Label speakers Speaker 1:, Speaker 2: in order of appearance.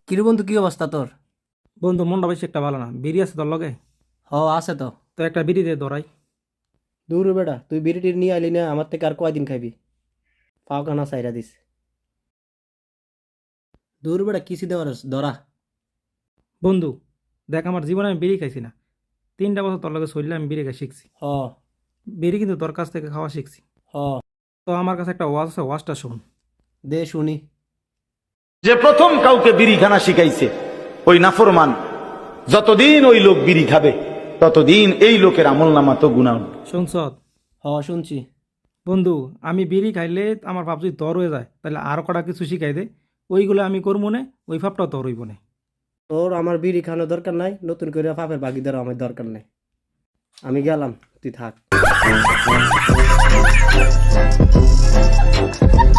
Speaker 1: কিরে বন্ধু, কি অবস্থা তোর?
Speaker 2: বন্ধু মনটা বেশি একটা ভালো না, বিড়ি আছে তোর লগে?
Speaker 1: আছে তো।
Speaker 2: তো একটা বিড়ি দিয়ে ধরাই।
Speaker 3: দূর বেটা, তুই বিড়িটি নিয়ে আইলি না, আমার থেকে আর কয়দিন খাবি? পাও কানা সাইরা দিস।
Speaker 1: দূর বেটা, কিসি দেওয়ার ধরা।
Speaker 2: বন্ধু দেখ, আমার জীবনে আমি বিড়ি খাইছি না। 3টা বছর তোর লগে চললে আমি বিড়ি খাই শিখছি।
Speaker 3: হ
Speaker 2: বিড়ি কিন্তু তোর কাছ থেকে খাওয়া শিখছি।
Speaker 3: হ
Speaker 2: তো আমার কাছে একটা ওয়াজ আছে, ওয়াজটা শোন।
Speaker 3: দে শুনি।
Speaker 4: যে প্রথম কাউকে বিড়িখানা শিখাইছে ওই নাফরমান, যতদিন ওই লোক বিড়ি খাবে ততদিন এই লোকের আমল নামা তো গুনাহ।
Speaker 2: শুনছ?
Speaker 3: শুনছি।
Speaker 2: বন্ধু, আমি বিড়ি খাইলে আমার ভাব যদি তোর হয়ে যায়, তাহলে আরো কটা কিছু শিখাই দে। ওইগুলো আমি করবো না, ওই ভাবটাও তোর হইব না।
Speaker 3: তোর আমার বিড়ি খাওয়ানোর দরকার নাই, নতুন করে পাপের ভাগিদার আমার দরকার নাই। আমি গেলাম, তুই থাক।